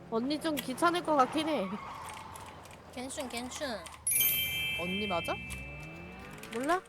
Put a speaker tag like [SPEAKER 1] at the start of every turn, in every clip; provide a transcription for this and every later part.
[SPEAKER 1] 언니 좀 귀찮을 것 같긴 해.
[SPEAKER 2] 괜춘.
[SPEAKER 3] 언니 맞아?
[SPEAKER 1] 몰라?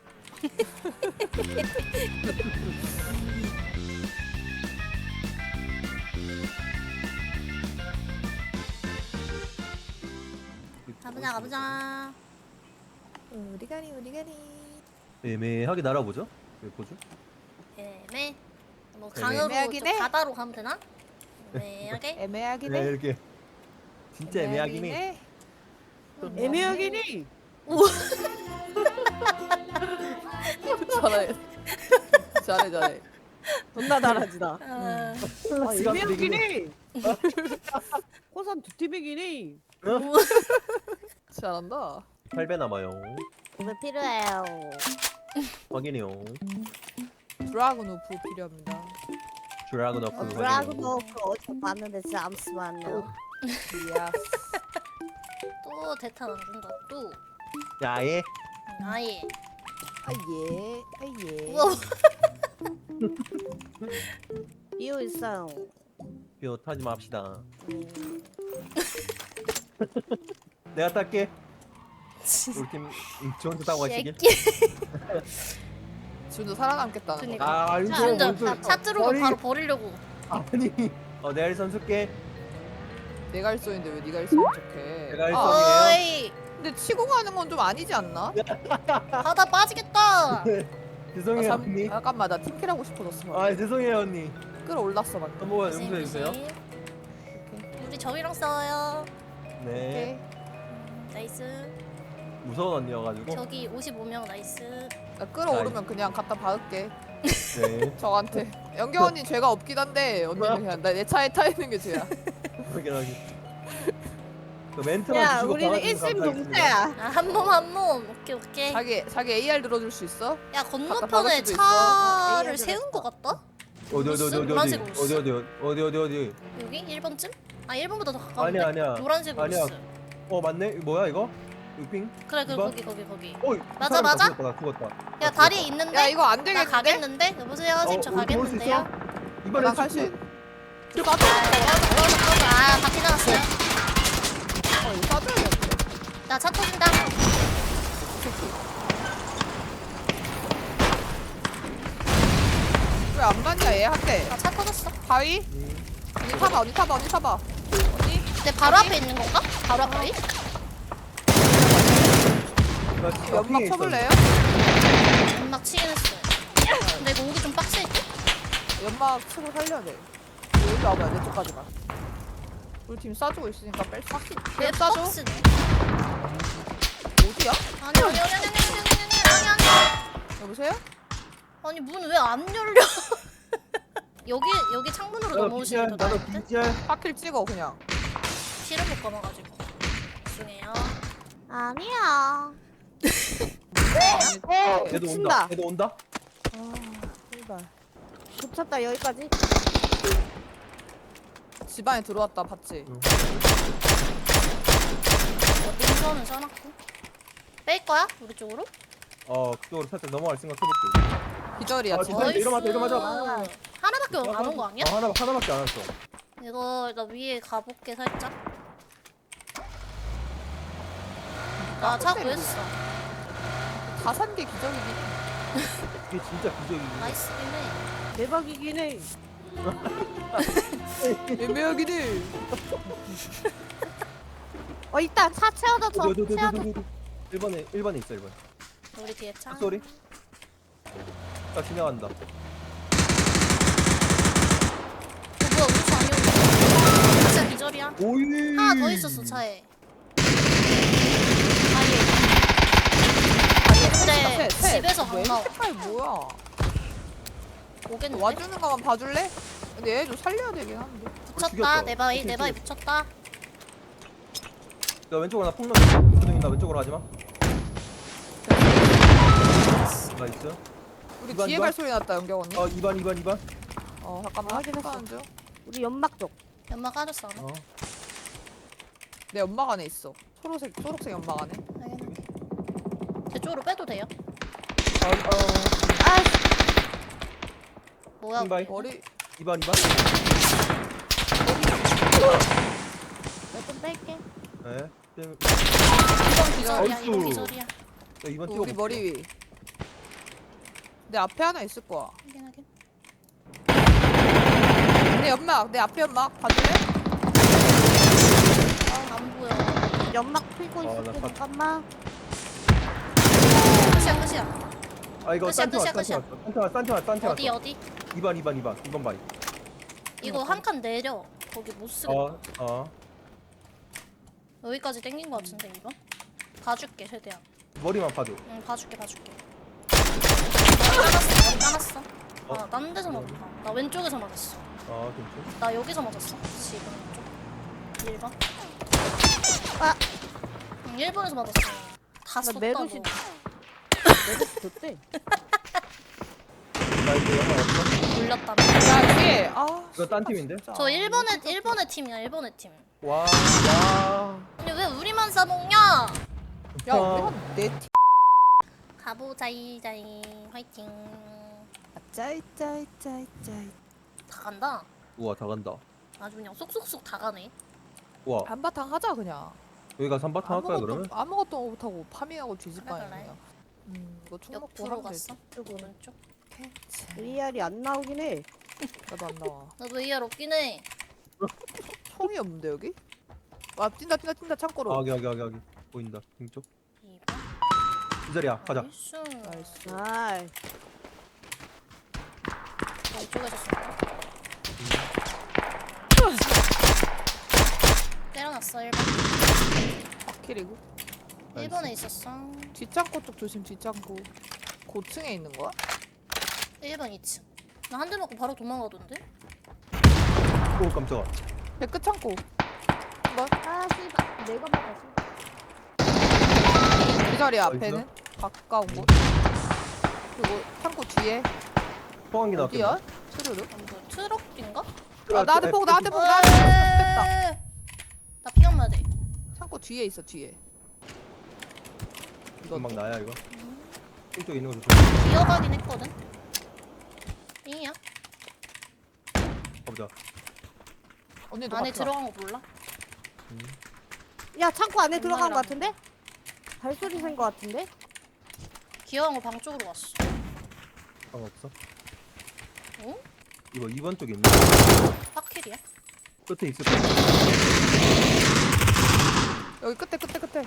[SPEAKER 2] 가보자.
[SPEAKER 3] 우리 가리.
[SPEAKER 4] 애매하게 날아보죠. 왜 보죠?
[SPEAKER 2] 애매. 뭐
[SPEAKER 4] 애매.
[SPEAKER 2] 강으로
[SPEAKER 3] 애매하긴
[SPEAKER 2] 좀
[SPEAKER 3] 해.
[SPEAKER 2] 바다로 가면 되나? 애매하게.
[SPEAKER 3] 애매하긴
[SPEAKER 4] 네,
[SPEAKER 3] 해.
[SPEAKER 4] 이렇게 진짜 애매하긴 해.
[SPEAKER 1] 애매하긴 해.
[SPEAKER 3] 잘해.
[SPEAKER 1] 존나 잘하지다.
[SPEAKER 2] 아,
[SPEAKER 1] 애매하긴 해. 호산 두 팀이긴 해.
[SPEAKER 3] 잘한다.
[SPEAKER 4] 8배 남아요.
[SPEAKER 1] 왜 필요해요?
[SPEAKER 4] 확인해요.
[SPEAKER 3] 드라군 우프 필요합니다.
[SPEAKER 4] 드라군 어프
[SPEAKER 1] 드라그노프 어디서 봤는데 잠시만요.
[SPEAKER 3] 이야.
[SPEAKER 2] 또 대탄 안 준다. 또.
[SPEAKER 4] 야예.
[SPEAKER 2] 아예.
[SPEAKER 3] 아예.
[SPEAKER 2] 우와.
[SPEAKER 1] 비오 있어요.
[SPEAKER 4] 뼈 타지 맙시다. 내가 탈게. 우리 팀 좋은 타고 가시길.
[SPEAKER 3] 준도 살아남겠다는 거.
[SPEAKER 2] 그니까.
[SPEAKER 4] 아 이거
[SPEAKER 2] 준도
[SPEAKER 4] 뭔
[SPEAKER 2] 차 들어오면 바로 버리려고.
[SPEAKER 4] 아니. 내가 일선 쓸게.
[SPEAKER 3] 내가 일소인데 왜 네가 일소인 척해?
[SPEAKER 4] 내가
[SPEAKER 3] 아,
[SPEAKER 4] 일소이에요.
[SPEAKER 2] 어이.
[SPEAKER 3] 근데 치고 가는 건 좀 아니지 않나?
[SPEAKER 2] 바다 빠지겠다.
[SPEAKER 4] 죄송해요 언니.
[SPEAKER 3] 잠깐만 나 팀킬 하고 싶어졌어.
[SPEAKER 4] 아 죄송해요 언니.
[SPEAKER 3] 끌어올랐어 방금.
[SPEAKER 4] 한번 용서해 주세요.
[SPEAKER 2] 우리 저희랑 싸워요.
[SPEAKER 4] 네.
[SPEAKER 2] 나이스.
[SPEAKER 4] 무서운 언니여가지고.
[SPEAKER 2] 저기 55명 나이스.
[SPEAKER 3] 나 끌어오르면 그냥 갖다 박을게.
[SPEAKER 4] 네.
[SPEAKER 3] 저한테. 영경 언니 죄가 없긴 한데 언니는 그냥 내 차에 타 있는 게 죄야.
[SPEAKER 4] 확인하기. 그 멘트만
[SPEAKER 1] 야,
[SPEAKER 4] 주시고
[SPEAKER 1] 우리는
[SPEAKER 4] 박아주시면 감사하겠습니다.
[SPEAKER 1] 일심동체야.
[SPEAKER 2] 아, 한 몸. 오케이.
[SPEAKER 3] 자기 AR 들어줄 수 있어?
[SPEAKER 2] 야,
[SPEAKER 3] 박을
[SPEAKER 2] 건너편에
[SPEAKER 3] 수도 있어.
[SPEAKER 2] 차를
[SPEAKER 1] AR
[SPEAKER 2] 세운 거 같다?
[SPEAKER 4] 어디
[SPEAKER 2] 노란색 로스?
[SPEAKER 4] 어디
[SPEAKER 2] 여기? 1번쯤? 아, 1번보다 더 가까운데?
[SPEAKER 4] 아니야.
[SPEAKER 2] 노란색
[SPEAKER 4] 아니야.
[SPEAKER 2] 로스.
[SPEAKER 4] 맞네. 이거 뭐야 이거? 핑?
[SPEAKER 2] 그래,
[SPEAKER 4] 이번?
[SPEAKER 2] 거기.
[SPEAKER 4] 어이.
[SPEAKER 2] 맞아?
[SPEAKER 4] 죽었다.
[SPEAKER 2] 야, 다리에 있는데?
[SPEAKER 3] 야 이거 안
[SPEAKER 2] 나
[SPEAKER 3] 되겠는데?
[SPEAKER 2] 가겠는데? 여보세요, 선생님, 저 가겠는데요?
[SPEAKER 4] 이번에
[SPEAKER 3] 나 갈 수 있...
[SPEAKER 2] 맞아. 아, 바퀴 나갔어요.
[SPEAKER 3] 이거 싸줘야겠는데?
[SPEAKER 2] 나 차 터진다.
[SPEAKER 3] 왜 안 맞냐 얘 한대.
[SPEAKER 2] 나 차 터졌어.
[SPEAKER 3] 바위? 언니 타봐 언니?
[SPEAKER 2] 내 바로 앞에 있는 건가? 바로 앞에?
[SPEAKER 3] 연막 쳐볼래요?
[SPEAKER 2] 연막 치긴 했어. 근데 이거 오기 좀 빡세.
[SPEAKER 3] 연막 치고 살려야 돼. 여기 와봐요 내 쪽까지만. 우리 팀 싸주고 있으니까 뺄 수.
[SPEAKER 2] 내
[SPEAKER 3] 그냥 싸줘?
[SPEAKER 2] 박스네.
[SPEAKER 3] 어디야?
[SPEAKER 2] 아니.
[SPEAKER 3] 여보세요?
[SPEAKER 2] 아니 문 왜 안 열려? 여기 창문으로 넘어오시면 더
[SPEAKER 4] 나도
[SPEAKER 2] 나은데?
[SPEAKER 4] 비주얼.
[SPEAKER 3] 파킬 찍어 그냥.
[SPEAKER 2] 피를 못 감아가지고. 죄송해요.
[SPEAKER 1] 아니야.
[SPEAKER 4] 얘도
[SPEAKER 1] 친다.
[SPEAKER 4] 온다. 얘도 온다.
[SPEAKER 3] 제발.
[SPEAKER 1] 붙였다 여기까지.
[SPEAKER 3] 집 안에 들어왔다 봤지?
[SPEAKER 2] 능선은 써놨고. 뺄 거야? 우리 쪽으로?
[SPEAKER 4] 그쪽으로 살짝 넘어갈 생각해볼게.
[SPEAKER 3] 기절이야
[SPEAKER 4] 아,
[SPEAKER 3] 지금.
[SPEAKER 4] 기절. 이러면 돼.
[SPEAKER 2] 하나밖에 안 온 거 아니야?
[SPEAKER 4] 하나밖에 안 왔어.
[SPEAKER 2] 이거 나 위에 가볼게 살짝. 나 차 구했어.
[SPEAKER 3] 다 산 게 기절이긴 해.
[SPEAKER 4] 이게 진짜 비적이지.
[SPEAKER 2] 나이스긴 해.
[SPEAKER 1] 대박이긴 해.
[SPEAKER 3] 애매하긴 해.
[SPEAKER 1] 있다. 차 채워줘. 채워줘.
[SPEAKER 4] 1번에 있어 1번.
[SPEAKER 2] 우리 뒤에 차.
[SPEAKER 4] 소리. 딱 지나간다.
[SPEAKER 2] 뭐야 우리 차 아니었어. 진짜 기절이야.
[SPEAKER 4] 오이.
[SPEAKER 2] 하나 더 있었어 차에. 근데 집에서 안 나와.
[SPEAKER 3] 색깔 뭐야?
[SPEAKER 2] 오겠는데?
[SPEAKER 3] 와주는 거만 봐줄래? 근데 얘 좀 살려야 되긴 한데.
[SPEAKER 2] 붙였다.
[SPEAKER 4] 죽였어.
[SPEAKER 2] 내 바위 붙였다.
[SPEAKER 4] 나 왼쪽으로 나폭 넣어. 나 왼쪽으로 하지 마. 나이스.
[SPEAKER 3] 우리
[SPEAKER 4] 이번,
[SPEAKER 3] 뒤에
[SPEAKER 4] 이번?
[SPEAKER 3] 갈 소리 났다 연경 언니.
[SPEAKER 4] 2번.
[SPEAKER 3] 잠깐만
[SPEAKER 1] 확인했어.
[SPEAKER 3] 하는 중.
[SPEAKER 1] 우리 연막 쪽.
[SPEAKER 2] 연막 까졌어 안 해?
[SPEAKER 3] 내 연막 안에 있어. 초록색 연막 안에.
[SPEAKER 2] 알겠는데. 제 쪽으로 빼도 돼요? 뭐야?
[SPEAKER 4] 핑바이.
[SPEAKER 2] 우리?
[SPEAKER 3] 머리
[SPEAKER 4] 2번. 땡.
[SPEAKER 3] 2번 기절.
[SPEAKER 2] 기절이야, 이거
[SPEAKER 4] 어이구.
[SPEAKER 2] 기절이야.
[SPEAKER 4] 야, 2번
[SPEAKER 3] 우리
[SPEAKER 4] 찍어볼게.
[SPEAKER 3] 머리 위. 내 앞에 하나 있을 거야.
[SPEAKER 2] 확인하게.
[SPEAKER 3] 내 연막, 내 앞에 연막 봐줄래?
[SPEAKER 2] 아, 안 보여.
[SPEAKER 1] 연막 피고
[SPEAKER 4] 나
[SPEAKER 1] 있을게.
[SPEAKER 4] 봤-
[SPEAKER 1] 잠깐만.
[SPEAKER 2] 끝이야, 끝이야.
[SPEAKER 4] 아 이거
[SPEAKER 2] 끝이야,
[SPEAKER 4] 싼티
[SPEAKER 2] 끝이야,
[SPEAKER 4] 왔어. 싼티 왔어.
[SPEAKER 2] 어디, 어디?
[SPEAKER 4] 2번 바위.
[SPEAKER 2] 이거 한 칸 내려. 거기 못 쓰겠다.
[SPEAKER 4] 어.
[SPEAKER 2] 여기까지 땡긴 거 같은데, 이번? 봐줄게, 최대한.
[SPEAKER 4] 머리만 봐줘.
[SPEAKER 2] 응, 봐줄게. 머리 까놨어.
[SPEAKER 4] 어?
[SPEAKER 2] 아, 딴 데서 맞았다. 나 왼쪽에서 맞았어.
[SPEAKER 4] 아 괜찮.
[SPEAKER 2] 나 여기서 맞았어. 지금 왼쪽. 1번.
[SPEAKER 1] 아.
[SPEAKER 2] 응, 1번에서 맞았어. 다
[SPEAKER 1] 나
[SPEAKER 2] 썼다,
[SPEAKER 1] 메르시.
[SPEAKER 2] 너.
[SPEAKER 1] 메르시 줬대.
[SPEAKER 4] 나 이제 영화 없어.
[SPEAKER 2] 돌렸다.
[SPEAKER 3] 야, 뒤에. 아.
[SPEAKER 4] 이거 딴 팀인데?
[SPEAKER 3] 진짜.
[SPEAKER 2] 저 1번의 팀이야, 1번의 팀.
[SPEAKER 4] 와.
[SPEAKER 2] 아니, 왜 우리만 싸먹냐?
[SPEAKER 3] 야, 우리가 내 팀.
[SPEAKER 2] 가보자이, 화이팅.
[SPEAKER 3] 짜이짜이짜이짜이.
[SPEAKER 2] 다 간다.
[SPEAKER 4] 우와 다 간다.
[SPEAKER 2] 아주 그냥 쏙쏙쏙 다 가네.
[SPEAKER 4] 우와
[SPEAKER 3] 한바탕 하자 그냥.
[SPEAKER 4] 여기가 3바탕 할까요 그러면?
[SPEAKER 3] 아무것도 못하고 파밍하고 뒤집어야
[SPEAKER 2] 그래.
[SPEAKER 3] 그냥. 이거 총 먹고
[SPEAKER 2] 옆으로
[SPEAKER 3] 하면
[SPEAKER 2] 갔어.
[SPEAKER 3] 되지.
[SPEAKER 2] 오른쪽.
[SPEAKER 1] VR이 안 나오긴 해.
[SPEAKER 3] 나도 안 나와.
[SPEAKER 2] 나도 AR 없긴 해.
[SPEAKER 3] 총이 없는데 여기? 와 뛴다 창고로.
[SPEAKER 4] 아 여기 보인다. 왼쪽.
[SPEAKER 2] 2번.
[SPEAKER 4] 이 자리야 가자.
[SPEAKER 2] 나이스.
[SPEAKER 3] 나이스.
[SPEAKER 1] 아이.
[SPEAKER 2] 이쪽에서 쏜다. 때려놨어 1번.
[SPEAKER 3] 바퀴리고.
[SPEAKER 2] 1번에 있었어.
[SPEAKER 3] 뒷창고 쪽 조심 뒷창고. 고층에 있는 거야?
[SPEAKER 2] 1번 2층. 나 한 대 맞고 바로 도망가던데?
[SPEAKER 4] 오 깜짝아.
[SPEAKER 3] 백끝 창고. 이거
[SPEAKER 1] 아 씨발. 내가 맞았어.
[SPEAKER 3] 이 자리
[SPEAKER 4] 어디
[SPEAKER 3] 앞에는 가까운 곳. 그리고 창고 뒤에
[SPEAKER 4] 소환기 나왔겠네.
[SPEAKER 3] 어디야? 스르르?
[SPEAKER 2] 안 보여. 트럭인가?
[SPEAKER 3] 아, 나한테 폭 됐다.
[SPEAKER 2] 나 피가 마야 돼.
[SPEAKER 3] 창고 뒤에 있어 뒤에. 이거
[SPEAKER 4] 금방 나야 이거. 왼쪽에 있는 거 조심.
[SPEAKER 2] 기어가긴 했거든. 잉이야?
[SPEAKER 4] 가보자.
[SPEAKER 3] 언니도
[SPEAKER 2] 안에
[SPEAKER 3] 같이 와.
[SPEAKER 2] 들어간 거 몰라?
[SPEAKER 1] 야 창고 안에 들어간 거
[SPEAKER 2] 연막이랑.
[SPEAKER 1] 같은데? 발소리 센 거 같은데?
[SPEAKER 2] 기어간 거 방 쪽으로 갔어.
[SPEAKER 4] 방 없어.
[SPEAKER 2] 어?
[SPEAKER 4] 이거 2번 쪽에 있네.
[SPEAKER 2] 파킬이야?
[SPEAKER 4] 끝에 있을 거야.
[SPEAKER 3] 여기 끝에.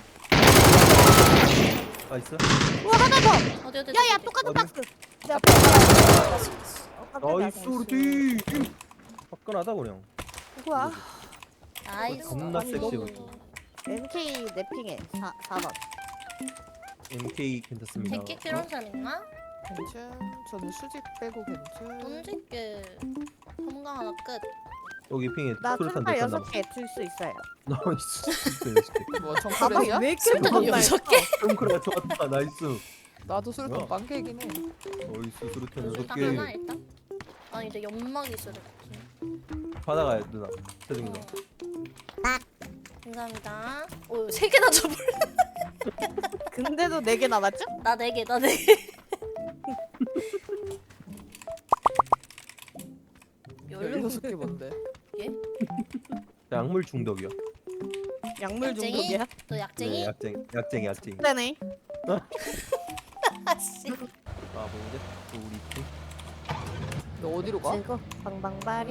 [SPEAKER 4] 나이스.
[SPEAKER 1] 우와 하나 더.
[SPEAKER 2] 어디
[SPEAKER 1] 야야 똑같은
[SPEAKER 4] 어디?
[SPEAKER 1] 박스. 야
[SPEAKER 4] 나이스 우리 팀. 화끈하다 그냥.
[SPEAKER 1] 누구야?
[SPEAKER 2] 나이스.
[SPEAKER 4] 겁나
[SPEAKER 1] 아니,
[SPEAKER 4] 섹시해
[SPEAKER 1] 너무-
[SPEAKER 4] 보여.
[SPEAKER 1] MK 랩핑해 4번.
[SPEAKER 4] MK 괜찮습니다.
[SPEAKER 2] 객기 필요한 사람 있나?
[SPEAKER 3] 괜찮. 저는 수직 빼고 괜찮.
[SPEAKER 2] 던질게. 섬광 하나 끝.
[SPEAKER 4] 여기 핑에
[SPEAKER 1] 나
[SPEAKER 4] 수류탄
[SPEAKER 1] 출발
[SPEAKER 4] 대탄 남았어.
[SPEAKER 1] 6개 줄 수 있어요.
[SPEAKER 4] 나이스.
[SPEAKER 3] 뭐
[SPEAKER 1] 가방
[SPEAKER 3] 정크레이야?
[SPEAKER 1] 왜 이렇게
[SPEAKER 2] 술탄
[SPEAKER 1] 많나?
[SPEAKER 2] 6개?
[SPEAKER 4] 덩크가 좋았다. 나이스.
[SPEAKER 3] 나도 술탄
[SPEAKER 4] 뭐야?
[SPEAKER 3] 빵케이긴 해.
[SPEAKER 4] 나이스 수류탄
[SPEAKER 2] 일단
[SPEAKER 4] 6개.
[SPEAKER 2] 하나 일단. 아니 근데 연막이 있어야 될 것 같은데.
[SPEAKER 4] 받아가요 누나. 세중 누나.
[SPEAKER 2] 감사합니다. 오, 3개나 줘볼래?
[SPEAKER 1] 근데도 4개 남았죠?
[SPEAKER 2] 나 4개, 나 4개.
[SPEAKER 3] 16개 뭔데?
[SPEAKER 2] 예?
[SPEAKER 4] 약물 중독이야.
[SPEAKER 1] 약물
[SPEAKER 2] 약쟁이?
[SPEAKER 1] 중독이야?
[SPEAKER 2] 너 약쟁이?
[SPEAKER 4] 네, 약쟁이.
[SPEAKER 1] 네네.
[SPEAKER 2] 아씨.
[SPEAKER 4] 아 뭔데? 또 우리 팀.
[SPEAKER 3] 너 어디로 가?
[SPEAKER 1] 즐거 방방바리.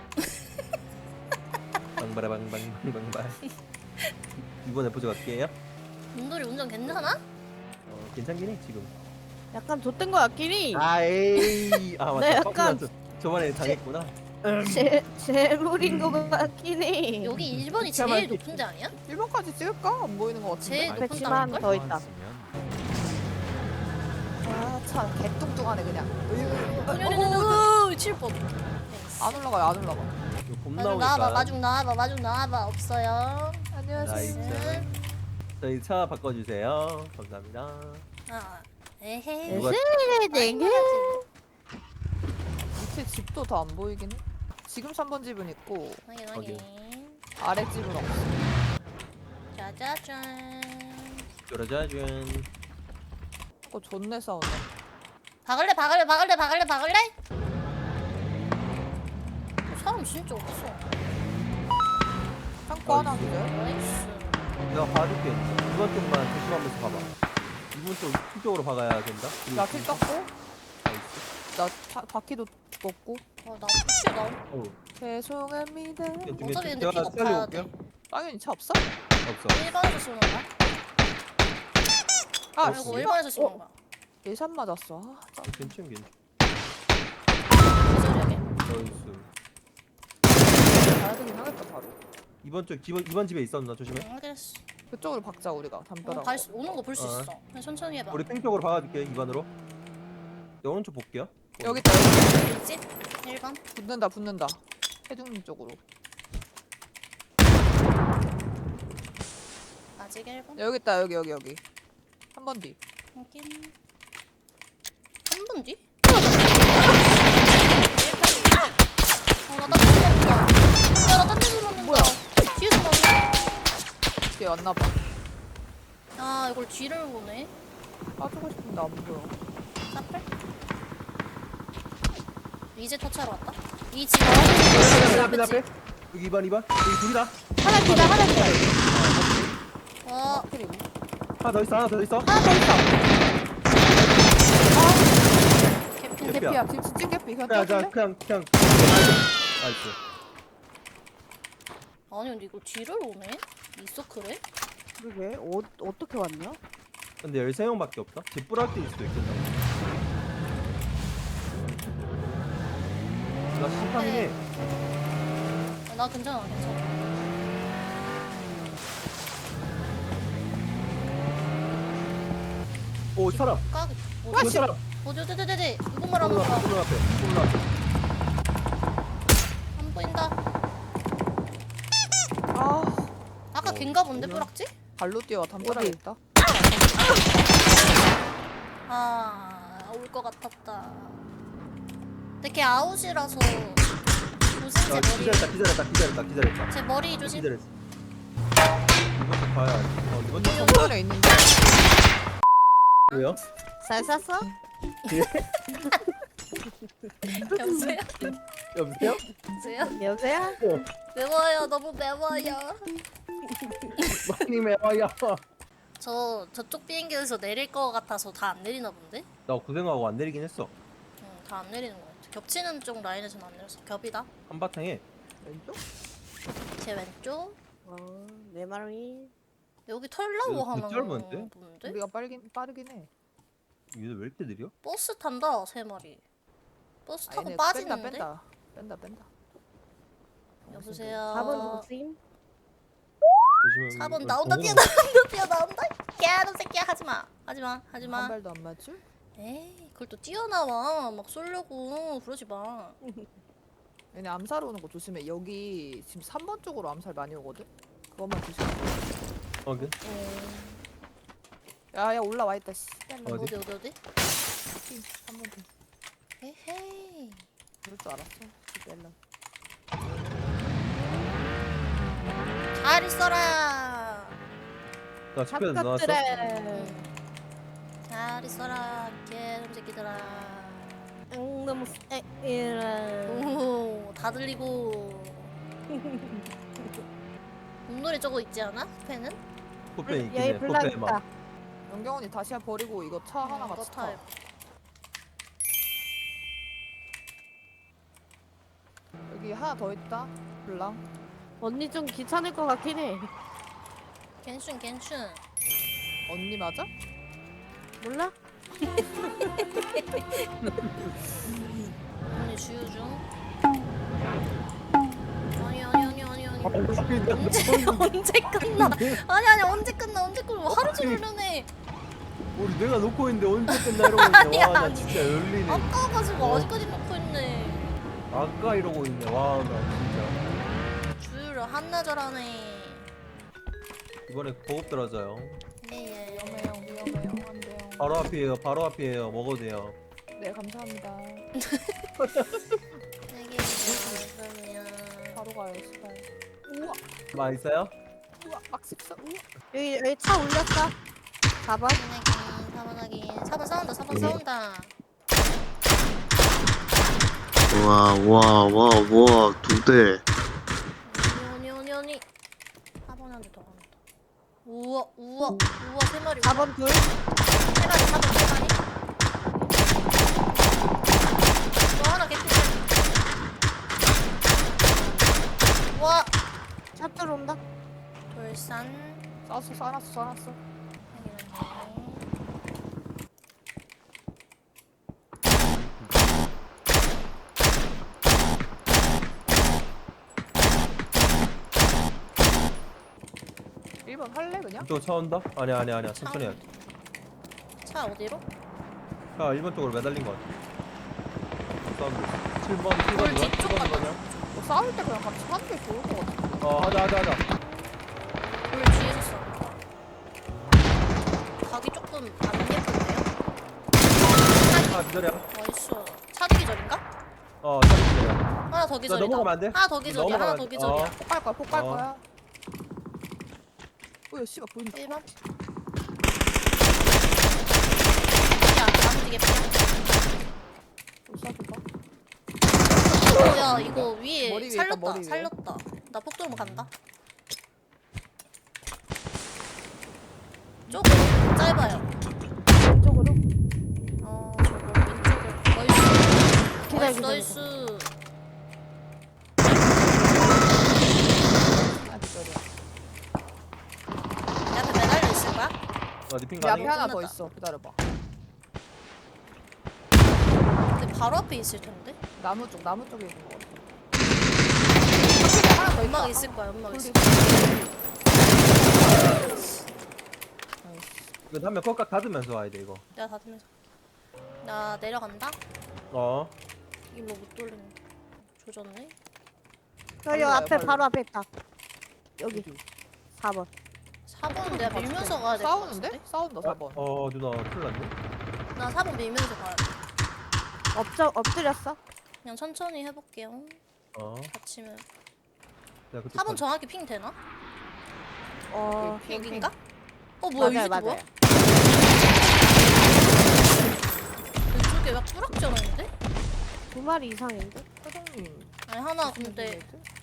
[SPEAKER 4] 방바라방방방방바. 이번에 보조 갈게요.
[SPEAKER 2] 문돌이 운전 괜찮아?
[SPEAKER 4] 괜찮긴 해 지금.
[SPEAKER 1] 약간 좆된 거 같긴 해.
[SPEAKER 4] 아 에이. 아
[SPEAKER 1] 네,
[SPEAKER 4] 맞다.
[SPEAKER 1] 약간-
[SPEAKER 4] 저번에 당했구나.
[SPEAKER 1] 재물인 거 같긴 해.
[SPEAKER 2] 여기 1번이
[SPEAKER 1] 진짜
[SPEAKER 2] 제일
[SPEAKER 1] 많이
[SPEAKER 2] 높은 데 아니야?
[SPEAKER 3] 1번까지 찍을까? 안 보이는 것 같은데.
[SPEAKER 2] 제일 높은
[SPEAKER 1] 그치만
[SPEAKER 2] 땅일걸?
[SPEAKER 1] 더 있다.
[SPEAKER 3] 아참 개뚱뚱하네 그냥.
[SPEAKER 2] 오, 7번.
[SPEAKER 3] 안 올라가요 안 올라가.
[SPEAKER 4] 이거 곰
[SPEAKER 2] 마중
[SPEAKER 4] 나오니까.
[SPEAKER 2] 나와봐, 마중 나와봐. 없어요.
[SPEAKER 3] 안녕하세요.
[SPEAKER 4] 나이스. 저희 차 바꿔주세요. 감사합니다.
[SPEAKER 2] 아, 에헤.
[SPEAKER 4] 누가
[SPEAKER 1] 네개.
[SPEAKER 3] 밑에 집도 더 안 보이긴 해. 지금 3번 집은 있고
[SPEAKER 2] 확인.
[SPEAKER 3] 아래 집은 없어.
[SPEAKER 2] 짜자잔.
[SPEAKER 4] 짜라자잔.
[SPEAKER 3] 그거 존내 싸우네.
[SPEAKER 2] 박을래? 사람 진짜 없어.
[SPEAKER 3] 창고 하나 기절.
[SPEAKER 2] 나이스.
[SPEAKER 4] 내가 봐줄게. 2번 쪽만 조심하면서 가봐. 2번 쪽 쪽으로 박아야 된다.
[SPEAKER 3] 나킬 떴고
[SPEAKER 4] 나이스.
[SPEAKER 3] 나 바퀴도 떴고
[SPEAKER 2] 나 푸시 나.
[SPEAKER 4] 어.
[SPEAKER 3] 죄송합니다.
[SPEAKER 2] 어차피 근데
[SPEAKER 4] 제가
[SPEAKER 2] 픽업 가야 돼.
[SPEAKER 4] 살려볼게요.
[SPEAKER 3] 당연히 차 없어?
[SPEAKER 4] 없어.
[SPEAKER 2] 일반에서 쏘는 거야?
[SPEAKER 3] 아
[SPEAKER 2] 그리고
[SPEAKER 4] 씨발.
[SPEAKER 2] 일반에서 쏘는 거야.
[SPEAKER 3] 예산 맞았어. 아, 짜.
[SPEAKER 4] 괜찮.
[SPEAKER 2] 기절하게.
[SPEAKER 4] 나이스.
[SPEAKER 3] 가야 되긴 하겠다 바로.
[SPEAKER 4] 2번 집에 있었나 조심해.
[SPEAKER 2] 알겠어.
[SPEAKER 3] 그쪽으로 박자 우리가 담벼락.
[SPEAKER 2] 오는 거 볼 수
[SPEAKER 4] 어.
[SPEAKER 2] 있어. 그냥 천천히 해봐.
[SPEAKER 4] 우리 땡 쪽으로 박아줄게. 2번으로. 내 오른쪽 볼게요.
[SPEAKER 3] 여기 있다. 여기.
[SPEAKER 2] 있지? 1번.
[SPEAKER 3] 붙는다. 해중님 쪽으로.
[SPEAKER 2] 아직 1번.
[SPEAKER 3] 여기 있다. 여기. 한 번 뒤.
[SPEAKER 2] 확인. 3분 뒤? 나딴 데 들었다. 야, 나딴 데 들었는데.
[SPEAKER 3] 뭐야?
[SPEAKER 2] 뒤에서 나오네.
[SPEAKER 3] 뒤에 왔나봐.
[SPEAKER 2] 아, 이걸 뒤를 보네.
[SPEAKER 3] 빠지고 싶은데 안 보여.
[SPEAKER 2] 사플? 이제 터치하러 왔다? 이 집.
[SPEAKER 4] 앞에. 여기 2번. 여기 둘이다.
[SPEAKER 1] 하나 기다 하나 기다.
[SPEAKER 2] 와,
[SPEAKER 3] 그리고
[SPEAKER 4] 하나 더 있어.
[SPEAKER 1] 하나 더 있어.
[SPEAKER 2] 개핀.
[SPEAKER 4] 개피야.
[SPEAKER 3] 개피야. 지금 진짜 개피. 그냥
[SPEAKER 4] 그냥
[SPEAKER 3] 떼줄래?
[SPEAKER 4] 그냥. 나이스.
[SPEAKER 2] 아니, 근데 이걸 뒤를 오네? 이 서클에?
[SPEAKER 1] 그러게 어떻게 왔냐?
[SPEAKER 4] 근데 13명밖에 없다. 뒷부락일 수도 있겠다. 나 심판이네.
[SPEAKER 2] 나 괜찮아.
[SPEAKER 4] 오 사람.
[SPEAKER 2] 까기.
[SPEAKER 4] 그 사람.
[SPEAKER 2] 어디. 누구 말하는 거야?
[SPEAKER 4] 콜로 앞에.
[SPEAKER 2] 안 보인다.
[SPEAKER 3] 아
[SPEAKER 2] 아까 걘가 본데,
[SPEAKER 4] 뭐야?
[SPEAKER 2] 뿌락지?
[SPEAKER 3] 발로 뛰어와 담벼락에
[SPEAKER 1] 어디?
[SPEAKER 3] 있다.
[SPEAKER 2] 올 것 같았다. 근데 걔 아웃이라서 조심 제 머리.
[SPEAKER 4] 기다렸다.
[SPEAKER 2] 제 머리 조심.
[SPEAKER 4] 기다렸어. 이번 주 봐야. 이번 주
[SPEAKER 3] 정면에 있는데.
[SPEAKER 4] 왜요?
[SPEAKER 1] 잘 쐈어?
[SPEAKER 2] 여보세요?
[SPEAKER 4] 여보세요?
[SPEAKER 2] 여보세요?
[SPEAKER 1] 여보세요?
[SPEAKER 2] 매워요. 너무 매워요.
[SPEAKER 4] 많이 매워요.
[SPEAKER 2] 저쪽 비행기에서 내릴 것 같아서 다 안 내리나 본데?
[SPEAKER 4] 나 고생하고 안 내리긴 했어.
[SPEAKER 2] 다 안 내리는 것 같아. 겹치는 쪽 라인에서는 안 내렸어. 겹이다.
[SPEAKER 4] 한바탕에.
[SPEAKER 3] 왼쪽?
[SPEAKER 2] 제 왼쪽.
[SPEAKER 1] 내 말이.
[SPEAKER 2] 여기 털라고
[SPEAKER 4] 여기
[SPEAKER 2] 하는
[SPEAKER 4] 짧은데?
[SPEAKER 2] 건데?
[SPEAKER 3] 우리가 빠르긴 해.
[SPEAKER 4] 얘들 왜 이렇게 느려?
[SPEAKER 2] 버스 탄다 3마리. 버스 타고
[SPEAKER 3] 아니네,
[SPEAKER 2] 빠지는데?
[SPEAKER 3] 뺀다.
[SPEAKER 2] 여보세요.
[SPEAKER 1] 4번 조심.
[SPEAKER 4] 조심해.
[SPEAKER 2] 4번 나온다 뛰어나온다. 개놈 새끼야 하지마.
[SPEAKER 3] 한 발도 안 맞을?
[SPEAKER 2] 에이 그걸 또 뛰어나와 막 쏠려고 그러지 마.
[SPEAKER 3] 얘네 암살 오는 거 조심해. 여기 지금 3번 쪽으로 암살 많이 오거든? 그것만 조심해.
[SPEAKER 4] 오케이.
[SPEAKER 3] 야 올라와 있다 씨.
[SPEAKER 4] 어디?
[SPEAKER 2] 어디?
[SPEAKER 3] 3번 뒤.
[SPEAKER 2] 에헤이.
[SPEAKER 3] 그럴 줄 알았어. 멜론.
[SPEAKER 2] 잘 있어라.
[SPEAKER 4] 나 집에서 나왔어.
[SPEAKER 1] 잡것들에.
[SPEAKER 2] 잘 있어라 개놈 새끼들아.
[SPEAKER 1] 너무 이런.
[SPEAKER 2] 오, 다 들리고. 몸놀이 저거 있지 않아? 팬은?
[SPEAKER 4] 코페 있긴
[SPEAKER 1] 여기
[SPEAKER 4] 해.
[SPEAKER 1] 블락
[SPEAKER 4] 코페 막.
[SPEAKER 1] 있다.
[SPEAKER 3] 영경언니 다시야 버리고 이거 차 하나 같이 타.
[SPEAKER 2] 타입.
[SPEAKER 3] 여기 하나 더 있다. 블랑.
[SPEAKER 1] 언니 좀 귀찮을 것 같긴 해.
[SPEAKER 2] 괜춘.
[SPEAKER 3] 언니 맞아?
[SPEAKER 1] 몰라?
[SPEAKER 2] 언니 주유 중. 아니. 언제 끝나? 아니 언제 끝나? 하루 종일 이러네.
[SPEAKER 4] 우리 내가 놓고 있는데 언제 끝나 이러고 있네.
[SPEAKER 2] 아니야,
[SPEAKER 4] 와, 나
[SPEAKER 2] 아니.
[SPEAKER 4] 진짜 열리네.
[SPEAKER 2] 아까 가지고
[SPEAKER 4] 어.
[SPEAKER 2] 아직까지 놓고 있네.
[SPEAKER 4] 아까 이러고 있네. 와, 나 진짜.
[SPEAKER 2] 주유를 한나절하네.
[SPEAKER 4] 이번에 보급 들어져요.
[SPEAKER 2] 예.
[SPEAKER 3] 위험해요. 안 돼요.
[SPEAKER 4] 바로 앞이에요. 먹어도 돼요.
[SPEAKER 3] 네 감사합니다.
[SPEAKER 2] 되게 그러면
[SPEAKER 3] 바로 가요 시발. 우와
[SPEAKER 4] 맛있어요?
[SPEAKER 3] 막식사. 우와.
[SPEAKER 1] 여기 차 올렸어. 4번.
[SPEAKER 2] 4번 싸운다. 4번 싸운다.
[SPEAKER 5] 와, 2대.
[SPEAKER 2] 언니. 4번한테 더 간다. 우와 우와 우와 3마리.
[SPEAKER 1] 4번 둘.
[SPEAKER 2] 3마리 4번 3마리. 또 하나 개꿀. 우와.
[SPEAKER 1] 차 들어온다.
[SPEAKER 2] 돌산.
[SPEAKER 3] 쏴놨어. 일번 할래 그냥?
[SPEAKER 4] 이쪽 차 온다? 아니야 천천히 해.
[SPEAKER 2] 차 어디로?
[SPEAKER 4] 자 1번 쪽으로 매달린 것 같아. 사운드 7번
[SPEAKER 2] 돌
[SPEAKER 4] 7번
[SPEAKER 2] 뒤쪽
[SPEAKER 4] 7번
[SPEAKER 2] 가봐.
[SPEAKER 4] 거냐?
[SPEAKER 3] 뭐 싸울 때 그냥 같이 하는 게 좋을 것 같아.
[SPEAKER 4] 하자
[SPEAKER 2] 돌 뒤에서 써. 각이 조금 안 예쁜데요?
[SPEAKER 4] 기다려.
[SPEAKER 2] 나이스. 차도 기절인가?
[SPEAKER 4] 차기 기다려.
[SPEAKER 2] 하나 더 기절이다.
[SPEAKER 4] 넘어가면 안 돼?
[SPEAKER 2] 하나 더 기절이야. 하나 더
[SPEAKER 4] 넘어가면-
[SPEAKER 2] 기절이야.
[SPEAKER 3] 폭갈
[SPEAKER 4] 어.
[SPEAKER 3] 거야. 뭐야 씨발 보인다.
[SPEAKER 2] 1번. 야, 나무 뒤에 피야.
[SPEAKER 3] 또 쏴줘봐.
[SPEAKER 2] 야, 이거 위에
[SPEAKER 3] 머리 위에 있다,
[SPEAKER 2] 살렸다.
[SPEAKER 3] 머리 위에.
[SPEAKER 2] 살렸다. 나 폭도로 간다. 조금 짧아요.
[SPEAKER 1] 왼쪽으로.
[SPEAKER 2] 저거 왼쪽으로.
[SPEAKER 1] 기다려,
[SPEAKER 2] 나이스. 나이스.
[SPEAKER 3] 아 기다려.
[SPEAKER 2] 내 앞에 매달려 있을 거야?
[SPEAKER 4] 니핑
[SPEAKER 3] 내 앞에
[SPEAKER 4] 가능해?
[SPEAKER 3] 하나 더
[SPEAKER 2] 끝났다.
[SPEAKER 3] 있어. 기다려봐.
[SPEAKER 2] 근데 바로 앞에 있을 텐데.
[SPEAKER 3] 나무 쪽에 있는 거 같아. 하나 더 있다.
[SPEAKER 2] 연막 있을 거야. 연막 있을
[SPEAKER 3] 돌리-
[SPEAKER 2] 거야.
[SPEAKER 4] 이거 한명 꺾각 닫으면서 와야 돼 이거.
[SPEAKER 2] 내가 닫으면서. 나 내려간다. 일로 못 돌리는. 조졌네.
[SPEAKER 1] 여기
[SPEAKER 3] 빨리
[SPEAKER 1] 앞에
[SPEAKER 3] 와요,
[SPEAKER 1] 바로 앞에 있다. 여기 4번.
[SPEAKER 2] 4번은 내가 밀면서 가야 될 것
[SPEAKER 3] 싸우는데?
[SPEAKER 2] 같은데?
[SPEAKER 3] 싸운다 4번.
[SPEAKER 4] 누나 큰일 났네.
[SPEAKER 2] 나 4번 밀면서 가야 돼.
[SPEAKER 1] 엎드렸어.
[SPEAKER 2] 그냥 천천히 해볼게요. 다치면.
[SPEAKER 4] 내가 그쪽
[SPEAKER 2] 4번 정확히 핑 되나?
[SPEAKER 3] 핑,
[SPEAKER 2] 여긴가? 뭐야
[SPEAKER 1] 맞아요,
[SPEAKER 2] 이게
[SPEAKER 1] 맞아요.
[SPEAKER 2] 뭐야? 왼쪽에 막 뿌락져있는데?
[SPEAKER 1] 2마리 이상인데?
[SPEAKER 3] 사장님.
[SPEAKER 2] 아니 하나 근데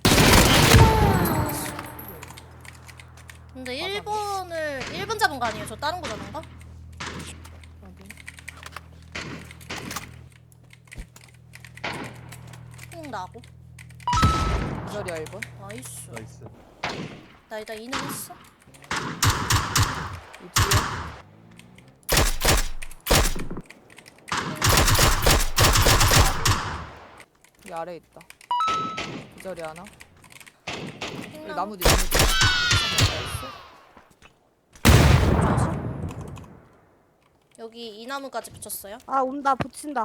[SPEAKER 2] 1번 잡은 거 아니에요? 저 다른 거 잡은 거? 나고.
[SPEAKER 3] 기다려 1번.
[SPEAKER 2] 나이스.
[SPEAKER 4] 나이스.
[SPEAKER 2] 나 일단 이능 했어.
[SPEAKER 3] 이 뒤에. 이 아래 있다. 기다리 하나. 여기 나무 뒤.
[SPEAKER 2] 여기 이 나무까지 붙였어요.
[SPEAKER 1] 아 온다 붙인다.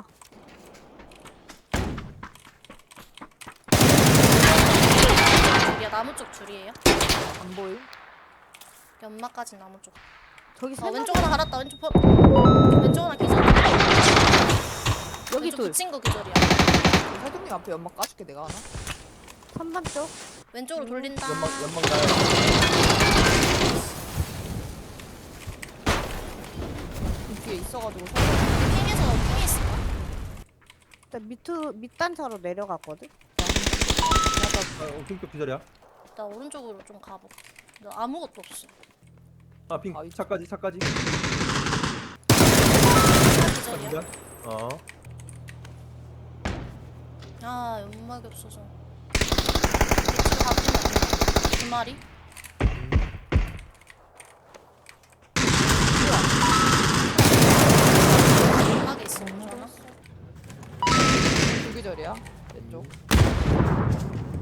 [SPEAKER 2] 줄이야 나무 쪽 줄이에요.
[SPEAKER 3] 안 보임?
[SPEAKER 2] 연막까지 나무 쪽.
[SPEAKER 1] 저기 세
[SPEAKER 2] 왼쪽
[SPEAKER 1] 마리.
[SPEAKER 2] 하나 갈았다. 왼쪽 하나 기절.
[SPEAKER 1] 여기
[SPEAKER 2] 왼쪽
[SPEAKER 1] 둘.
[SPEAKER 2] 붙인 거 기절이야.
[SPEAKER 3] 사장님 앞에 연막 까줄게 내가 하나.
[SPEAKER 1] 3번 쪽.
[SPEAKER 2] 왼쪽으로 돌린다.
[SPEAKER 4] 연막 가요.
[SPEAKER 3] 이 뒤에 있어가지고
[SPEAKER 2] 핑에서 있을까?
[SPEAKER 1] 일단 밑단차로 내려갔거든.
[SPEAKER 4] 핑크 기절이야.
[SPEAKER 2] 나 오른쪽으로 좀 가보. 나 아무것도 없어.
[SPEAKER 4] 핑
[SPEAKER 3] 아, 이-
[SPEAKER 4] 차까지.
[SPEAKER 2] 하나 기절이야.
[SPEAKER 4] 기절.
[SPEAKER 2] 아 연막이 없어서. 이쪽 가보면 안 돼. 두 마리. 연막에 있어. 하나.
[SPEAKER 3] 불기절이야 왼쪽.